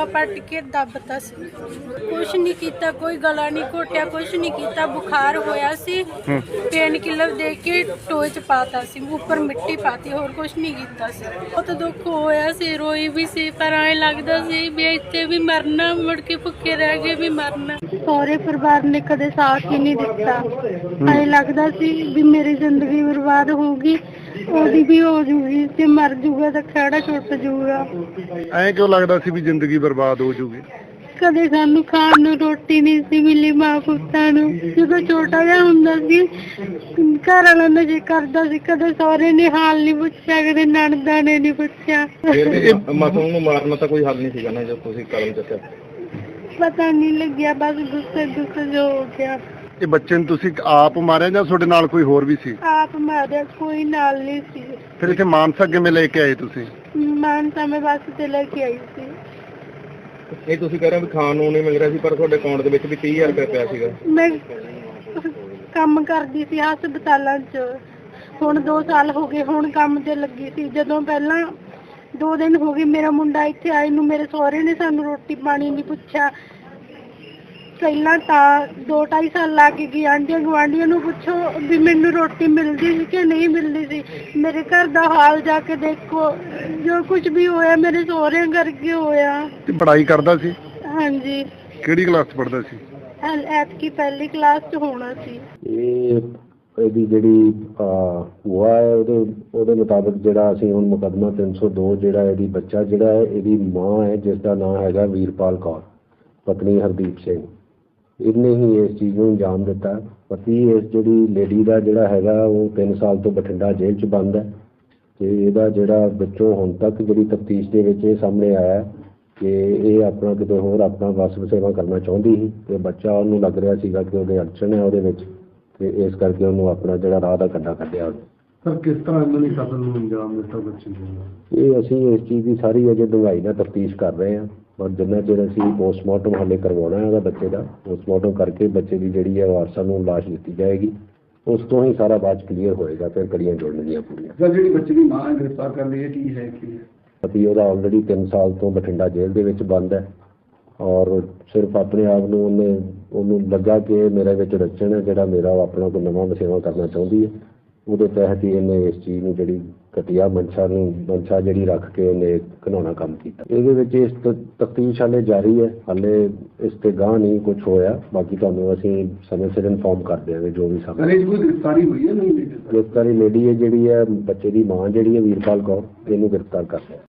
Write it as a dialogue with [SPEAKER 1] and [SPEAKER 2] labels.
[SPEAKER 1] पट के दबता सी, कुछ नहीं किया, कोई गला नहीं घोटिया, कुछ नहीं किया। बुखार होया सी, पेन किलर दे के टोए च पाता सी, ऊपर मिट्टी पाती, होर कुछ नहीं किया सी। बहुत दुख होया सी, रोई भी सी, पर ऐ लगदा सी भी इत्थे भी मरना, मुड़ के भुखे रह गए भी मरना। सारे परिवार ने कदे साथ ही नहीं दिता, ऐ लगदा सी भी मेरी जिंदगी बर्बाद होगी, ਉਹਦੀ ਵੀ ਹੋ ਜੂਗੀ, ਤੇ ਮਰ ਜੂਗਾ ਤਾਂ ਖੜਾ ਛੁੱਟ ਜੂਗਾ।
[SPEAKER 2] ਐਂ ਕਿਉਂ ਲੱਗਦਾ ਸੀ ਵੀ ਜ਼ਿੰਦਗੀ ਬਰਬਾਦ ਹੋ ਜੂਗੀ?
[SPEAKER 1] ਕਦੇ ਸਾਨੂੰ ਖਾਣ ਨੂੰ ਰੋਟੀ ਨਹੀਂ ਸੀ ਮਿਲੀ ਮਾਂ ਪੁੱਤਾਂ ਨੂੰ। ਜਦੋਂ ਛੋਟਾ ਜਿਹਾ ਹੁੰਦਾ ਸੀ ਘਰ ਵਾਲਾ ਨਸ਼ੇ ਕਰਦਾ ਸੀ, ਕਦੇ ਸਹੁਰੇ ਨੇ ਹਾਲ ਨਹੀਂ ਪੁੱਛਿਆ, ਕਦੇ ਨਣਦਾਂ ਨੇ ਨਹੀਂ ਪੁੱਛਿਆ।
[SPEAKER 3] ਮਾਸੂਮ ਨੂੰ ਮਾਰਨਾ ਤਾਂ ਕੋਈ ਹੱਲ ਨਹੀਂ ਸੀਗਾ ਨਾ ਜਦ ਤੁਸੀਂ ਕਦਮ ਚੱਕਿਆ?
[SPEAKER 1] ਪਤਾ ਨਹੀਂ ਲੱਗਿਆ, ਬਸ ਗੁੱਸੇ ਜੋ ਹੋ ਗਿਆ।
[SPEAKER 2] ਇਹ ਬੱਚੇ ਨੂੰ ਤੁਸੀਂ ਆਪ ਮਾਰਿਆ ਜਾਂ ਤੁਹਾਡੇ ਨਾਲ ਕੋਈ ਹੋਰ ਵੀ ਸੀ?
[SPEAKER 1] ਆਪ ਮਾਰਿਆ, ਕੋਈ ਨਾਲ ਨਹੀਂ ਸੀ।
[SPEAKER 2] ਫਿਰ ਇੱਥੇ ਮਾਨਸਾ ਕਿਵੇਂ ਲੈ ਕੇ ਆਏ ਤੁਸੀਂ?
[SPEAKER 1] ਮਾਨਸਾ ਮੈਂ ਬੱਸ ਤੇ ਲੈ ਕੇ ਆਈ ਸੀ।
[SPEAKER 3] ਇਹ ਤੁਸੀਂ ਕਹਿ ਰਹੇ ਹੋ ਵੀ ਖਾਣ ਨੂੰ ਨਹੀਂ ਮਿਲ ਰਿਹਾ ਸੀ, ਪਰ ਤੁਹਾਡੇ ਅਕਾਊਂਟ ਦੇ ਵਿੱਚ ਵੀ 30,000 ਰੁਪਏ ਪਿਆ ਸੀਗਾ।
[SPEAKER 1] ਮੈਂ ਕੰਮ ਕਰਦੀ ਸੀ ਹਸਪਤਾਲਾਂ 'ਚ, ਹੁਣ 2 ਸਾਲ ਹੋ ਗਏ, ਹੁਣ ਕੰਮ ਤੇ ਲੱਗੀ ਸੀ। ਜਦੋਂ ਪਹਿਲਾਂ 2 ਦਿਨ ਹੋ ਗਏ ਮੇਰਾ ਮੁੰਡਾ ਇੱਥੇ ਆਏ ਨੂੰ, ਮੇਰੇ ਸਹੁਰੇ ਨੇ ਸਾਨੂੰ ਰੋਟੀ ਪਾਣੀ ਨਹੀਂ ਪੁੱਛਿਆ। ਪਹਿਲਾਂ ਤਾਂ 2-2.5 ਸਾਲ ਲੱਗ ਗਏ, ਆਂਢੀਆਂ ਗੁਆਂਢੀਆਂ ਨੂੰ ਪੁੱਛੋ ਵੀ ਮੈਨੂੰ ਰੋਟੀ ਮਿਲਦੀ ਸੀ ਕਿ ਨਹੀਂ ਮਿਲਦੀ ਸੀ। ਮੇਰੇ ਘਰ ਦਾ ਹਾਲ ਜਾ ਕੇ ਦੇਖੋ, ਜੋ ਕੁਝ ਵੀ ਹੋਇਆ ਮੇਰੇ ਸਹੁਰਿਆਂ ਕਰਕੇ ਹੋਇਆ।
[SPEAKER 2] ਤੇ ਪੜ੍ਹਾਈ ਕਰਦਾ ਸੀ?
[SPEAKER 1] ਹਾਂਜੀ।
[SPEAKER 2] ਕਿਹੜੀ ਕਲਾਸ 'ਚ ਪੜ੍ਹਦਾ ਸੀ?
[SPEAKER 1] ਐਤਕੀ ਪਹਿਲੀ ਕਲਾਸ 'ਚ ਹੋਣਾ ਸੀ।
[SPEAKER 4] ਇਹਦੀ ਜਿਹੜੀ ਭੂਆ ਹੈ ਉਹਦੇ ਮੁਤਾਬਕ ਜਿਹੜਾ ਅਸੀਂ ਹੁਣ ਮੁਕੱਦਮਾ 302 ਜਿਹੜਾ ਇਹਦੀ ਬੱਚਾ ਜਿਹੜਾ ਹੈ, ਇਹਦੀ ਮਾਂ ਹੈ ਜਿਸ ਦਾ ਨਾਮ ਹੈਗਾ ਵੀਰਪਾਲ ਕੌਰ, ਪਤਨੀ ਹਰਦੀਪ ਸਿੰਘ, ਇਹਨੇ ਹੀ ਇਸ ਚੀਜ਼ ਨੂੰ ਅੰਜਾਮ ਦਿੱਤਾ। ਪਤੀ ਇਸ ਜਿਹੜੀ ਲੇਡੀ ਦਾ ਜਿਹੜਾ ਹੈਗਾ ਉਹ 3 ਸਾਲ ਤੋਂ ਬਠਿੰਡਾ ਜੇਲ੍ਹ 'ਚ ਬੰਦ ਹੈ, ਤੇ ਇਹਦਾ ਜਿਹੜਾ ਵਿੱਚੋਂ ਹੁਣ ਤੱਕ ਜਿਹੜੀ ਤਫਤੀਸ਼ ਦੇ ਵਿੱਚ ਇਹ ਸਾਹਮਣੇ ਆਇਆ ਕਿ ਇਹ ਆਪਣਾ ਕਿਤੇ ਹੋਰ ਆਪਣਾ ਵਸ ਵਸੇਵਾ ਕਰਨਾ ਚਾਹੁੰਦੀ ਸੀ, ਤੇ ਬੱਚਾ ਉਹਨੂੰ ਲੱਗ ਰਿਹਾ ਸੀਗਾ ਕਿ ਉਹਦੇ ਅੜਚਣ ਹੈ ਉਹਦੇ ਵਿੱਚ, ਤੇ ਇਸ ਕਰਕੇ ਉਹਨੂੰ ਆਪਣਾ ਜਿਹੜਾ ਰਾਹ ਦਾ ਕੰਡਾ ਕੱਢਿਆ।
[SPEAKER 2] ਸਰ ਕਿਸ ਤਰ੍ਹਾਂ ਇਹਨਾਂ ਨੇ ਕਤਲ ਨੂੰ ਅੰਜਾਮ ਦਿੱਤਾ ਬੱਚੇ ਨੂੰ?
[SPEAKER 4] ਇਹ ਅਸੀਂ ਇਸ ਚੀਜ਼ ਦੀ ਸਾਰੀ ਅਜੇ ਡੂੰਘਾਈ ਨਾਲ ਤਫਤੀਸ਼ ਕਰ ਰਹੇ ਹਾਂ, ਔਰ ਜਿੰਨਾ ਚਿਰ ਅਸੀਂ ਪੋਸਟਮਾਰਟਮ ਹਾਲੇ ਕਰਵਾਉਣਾ ਹੈ ਉਹਦਾ ਬੱਚੇ ਦਾ, ਪੋਸਟਮਾਰਟਮ ਕਰਕੇ ਬੱਚੇ ਦੀ ਜਿਹੜੀ ਹੈ ਵਾਰਸਾਂ ਨੂੰ ਲਾਸ਼ ਦਿੱਤੀ ਜਾਏਗੀ, ਉਸ ਤੋਂ ਹੀ ਸਾਰਾ ਬਾਅਦ ਕਲੀਅਰ ਹੋਏਗਾ, ਫਿਰ ਕੜੀਆਂ ਜੋੜਨਗੀਆਂ ਪੂਰੀਆਂ।
[SPEAKER 2] ਸਰ ਜਿਹੜੀ ਬੱਚੇ ਦੀ ਮਾਂ ਗ੍ਰਿਫਤਾਰ ਕਰ ਲਈ, ਇਹ ਕੀ ਹੈ ਕੀ?
[SPEAKER 4] ਪਤੀ ਉਹਦਾ ਆਲਰੇਡੀ 3 ਸਾਲ ਤੋਂ ਬਠਿੰਡਾ ਜੇਲ੍ਹ ਦੇ ਵਿੱਚ ਬੰਦ ਹੈ, ਔਰ ਸਿਰਫ ਆਪਣੇ ਆਪ ਨੂੰ ਉਹਨੂੰ ਲੱਗਾ ਕਿ ਮੇਰੇ ਵਿੱਚ ਰਚਣ ਹੈ ਜਿਹੜਾ ਮੇਰਾ ਆਪਣਾ ਕੋਈ ਨਵਾਂ ਵਸੇਵਾ ਕਰਨਾ ਚਾਹੁੰਦੀ ਹੈ, ਉਹਦੇ ਤਹਿਤ ਹੀ ਇਹਨੇ ਇਸ ਚੀਜ਼ ਨੂੰ ਜਿਹੜੀ ਘਟੀਆ ਮਨਸ਼ਾ ਜਿਹੜੀ ਰੱਖ ਕੇ ਉਹਨੇ ਘਿਨਾਉਣਾ ਕੰਮ ਕੀਤਾ। ਇਹਦੇ ਵਿੱਚ ਇਸ ਤਫਤੀਸ਼ ਹਾਲੇ ਜਾਰੀ ਹੈ, ਹਾਲੇ ਇਸ ਤੇ ਗਾਂਹ ਨਹੀਂ ਕੁਝ ਹੋਇਆ, ਬਾਕੀ ਤੁਹਾਨੂੰ ਅਸੀਂ ਸਮੇਂ ਸਿਰ ਇਨਫੋਰਮ ਕਰ ਦਿਆਂਗੇ ਜੋ ਵੀ ਸਾਹਮਣੇ।
[SPEAKER 2] ਕੋਈ ਗ੍ਰਿਫਤਾਰੀ ਹੋਈ ਹੈ? ਨਹੀਂ
[SPEAKER 4] ਗ੍ਰਿਫਤਾਰੀ ਲੇਡੀ ਹੈ ਜਿਹੜੀ ਹੈ ਬੱਚੇ ਦੀ ਮਾਂ ਜਿਹੜੀ ਹੈ ਵੀਰਪਾਲ ਕੌਰ, ਇਹਨੂੰ ਗ੍ਰਿਫਤਾਰ ਕਰ ਲਿਆ।